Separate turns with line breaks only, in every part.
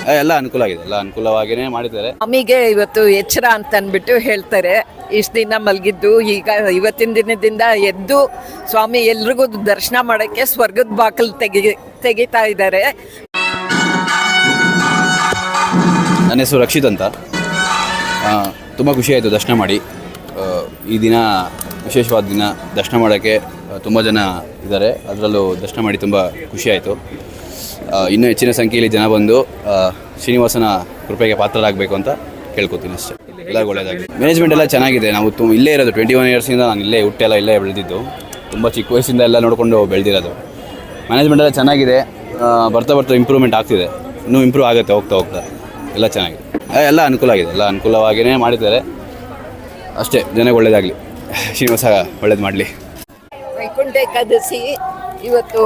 ಎಲ್ಲ ಅನುಕೂಲ ಆಗಿದೆ, ಎಲ್ಲ ಅನುಕೂಲವಾಗಿಯೇ ಮಾಡಿದ್ದಾರೆ.
ಸ್ವಾಮಿಗೆ ಇವತ್ತು ಎಚ್ಚರ ಅಂತ ಅಂದ್ಬಿಟ್ಟು ಹೇಳ್ತಾರೆ. ಇಷ್ಟು ದಿನ ಮಲಗಿದ್ದು ಈಗ ಇವತ್ತಿನ ದಿನದಿಂದ ಎದ್ದು ಸ್ವಾಮಿ ಎಲ್ರಿಗೂ ದರ್ಶನ ಮಾಡೋಕ್ಕೆ ಸ್ವರ್ಗದ ಬಾಕಲು ತೆಗಿತಾ ಇದ್ದಾರೆ.
ನನ್ನ ಹೆಸರು ರಕ್ಷಿತ್ ಅಂತ. ತುಂಬ ಖುಷಿಯಾಯಿತು ದರ್ಶನ ಮಾಡಿ. ಈ ದಿನ ವಿಶೇಷವಾದ ದಿನ, ದರ್ಶನ ಮಾಡೋಕ್ಕೆ ತುಂಬ ಜನ ಇದ್ದಾರೆ. ಅದರಲ್ಲೂ ದರ್ಶನ ಮಾಡಿ ತುಂಬ ಖುಷಿಯಾಯಿತು. ಇನ್ನೂ ಹೆಚ್ಚಿನ ಸಂಖ್ಯೆಯಲ್ಲಿ ಜನ ಬಂದು ಶ್ರೀನಿವಾಸನ ಕೃಪೆಗೆ ಪಾತ್ರರಾಗಬೇಕು ಅಂತ ಕೇಳ್ಕೊತೀನಿ ಅಷ್ಟೇ. ಎಲ್ಲರಿಗೂ ಒಳ್ಳೆಯದಾಗಿ. ಮ್ಯಾನೇಜ್ಮೆಂಟ್ ಎಲ್ಲ ಚೆನ್ನಾಗಿದೆ. ನಾವು ಇಲ್ಲೇ ಇರೋದು 21 ಇಯರ್ಸಿಂದ ನಾನು ಇಲ್ಲೇ ಹುಟ್ಟೆಲ್ಲ ಇಲ್ಲೇ ಬೆಳೆದಿದ್ದು. ತುಂಬ ಚಿಕ್ಕ ವಯಸ್ಸಿಂದ ಎಲ್ಲ ನೋಡಿಕೊಂಡು ಬೆಳೆದಿರೋದು. ಮ್ಯಾನೇಜ್ಮೆಂಟ್ ಎಲ್ಲ ಚೆನ್ನಾಗಿದೆ. ಬರ್ತಾ ಬರ್ತಾ ಇಂಪ್ರೂವ್ಮೆಂಟ್ ಆಗ್ತಿದೆ. ಇನ್ನೂ ಇಂಪ್ರೂವ್ ಆಗುತ್ತೆ ಹೋಗ್ತಾ ಎಲ್ಲ ಚೆನ್ನಾಗಿದೆ. ಎಲ್ಲ ಅನುಕೂಲ ಆಗಿದೆ, ಎಲ್ಲ ಅನುಕೂಲವಾಗಿಯೇ ಮಾಡಿದ್ದಾರೆ ಅಷ್ಟೇ. ಜನಕ್ಕೆ ಒಳ್ಳೆಯದಾಗಲಿ, ಶ್ರೀನಿವಾಸ ಒಳ್ಳೇದು ಮಾಡಲಿ.
ವೈಕುಂಠ ಏಕಾದಶಿ ಇವತ್ತು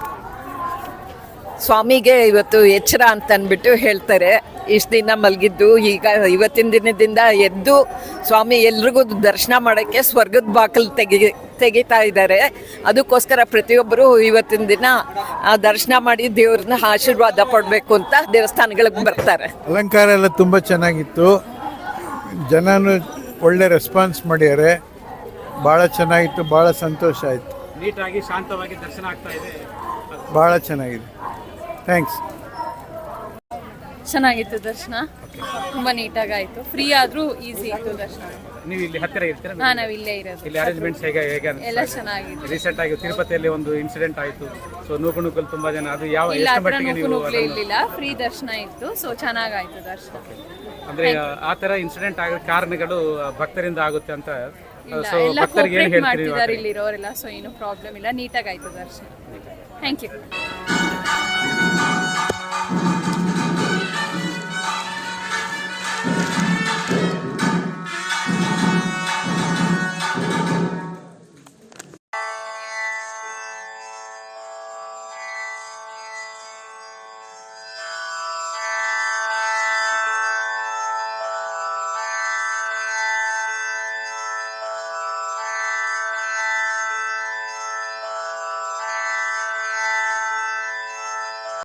ಸ್ವಾಮಿಗೆ ಇವತ್ತು ಎಚ್ಚರ ಅಂತ ಅಂದ್ಬಿಟ್ಟು ಹೇಳ್ತಾರೆ. ಇಷ್ಟು ದಿನ ಮಲಗಿದ್ದು ಈಗ ಇವತ್ತಿನ ದಿನದಿಂದ ಎದ್ದು ಸ್ವಾಮಿ ಎಲ್ರಿಗೂ ದರ್ಶನ ಮಾಡೋಕ್ಕೆ ಸ್ವರ್ಗದ ಬಾಕಲು ತೆಗಿತಾ ಇದ್ದಾರೆ. ಅದಕ್ಕೋಸ್ಕರ ಪ್ರತಿಯೊಬ್ಬರು ಇವತ್ತಿನ ದಿನ ದರ್ಶನ ಮಾಡಿ ದೇವ್ರನ್ನ ಆಶೀರ್ವಾದ ಪಡಬೇಕು ಅಂತ ದೇವಸ್ಥಾನಗಳಿಗೆ ಬರ್ತಾರೆ.
ಅಲಂಕಾರ ಎಲ್ಲ ತುಂಬ ಚೆನ್ನಾಗಿತ್ತು. ಜನನು ಒಳ್ಳೆ ರೆಸ್ಪಾನ್ಸ್ ಮಾಡಿದ್ದಾರೆ. ಭಾಳ ಚೆನ್ನಾಗಿತ್ತು, ಭಾಳ ಸಂತೋಷ ಆಯಿತು.
ನೀಟಾಗಿ ಶಾಂತವಾಗಿ ದರ್ಶನ ಆಗ್ತಾ ಇದೆ.
ಭಾಳ ಚೆನ್ನಾಗಿದೆ. ಥ್ಯಾಂಕ್ಸ್.
ಚೆನ್ನಾಗಿತ್ತು ದರ್ಶನ, ತುಂಬ ನೀಟಾಗಿ ಆಯಿತು. ಫ್ರೀ ಆದರೂ ಈಸಿ ಇತ್ತು ದರ್ಶನ.
ನೀವು ಇಲ್ಲಿ ಹತ್ತಿರ ಇರ್ತೀರಾ?
ನಾವು ಇಲ್ಲೇ ಇರೋದು.
ಇಲ್ಲಿ ಅರೇಂಜ್ಮೆಂಟ್ಸ್ ಹೇಗೆ
ಎಲ್ಲ ಚೆನ್ನಾಗಿದೆ.
ರೀಸೆಂಟ್ ಆಗಿ ತಿರುಪತಿಯಲ್ಲಿ ಒಂದು ಇನ್ಸಿಡೆಂಟ್ ಆಯಿತು. ಸೊ ನೂಕುನುಗ್ಗಲ್ ತುಂಬಾ ಜನ, ಅದು ಯಾವ
ಇಲ್ಲ
ಎಷ್ಟು
ಹತ್ರ
ಮಟ್ಟಿಗೆ ನೀವು
ಇರಲಿಲ್ಲ, ಫ್ರೀ ದರ್ಶನ ಇತ್ತು. ಸೊ ಚೆನ್ನಾಗಾಯ್ತು ದರ್ಶನ.
ಅಂದ್ರೆ ಆ ತರ ಇನ್ಸಿಡೆಂಟ್ ಆಗೋ ಕಾರಣಗಳು ಭಕ್ತರಿಂದ ಆಗುತ್ತೆ ಅಂತ. ಸೊ
ಎಲ್ಲ
ಭಕ್ತರಿಗೆ ಏನು
ಕೋಆಪರೇಟ್
ಹೇಳ್ತೀರಿ?
ಮಾಡ್ತಿದ್ದಾರೆ ಇಲ್ಲಿರೋರೆಲ್ಲ. ಸೊ ಏನು ಪ್ರಾಬ್ಲಮ್ ಇಲ್ಲ, ನೀಟಾಗಿ ಆಯ್ತು ದರ್ಶನ. Thank you.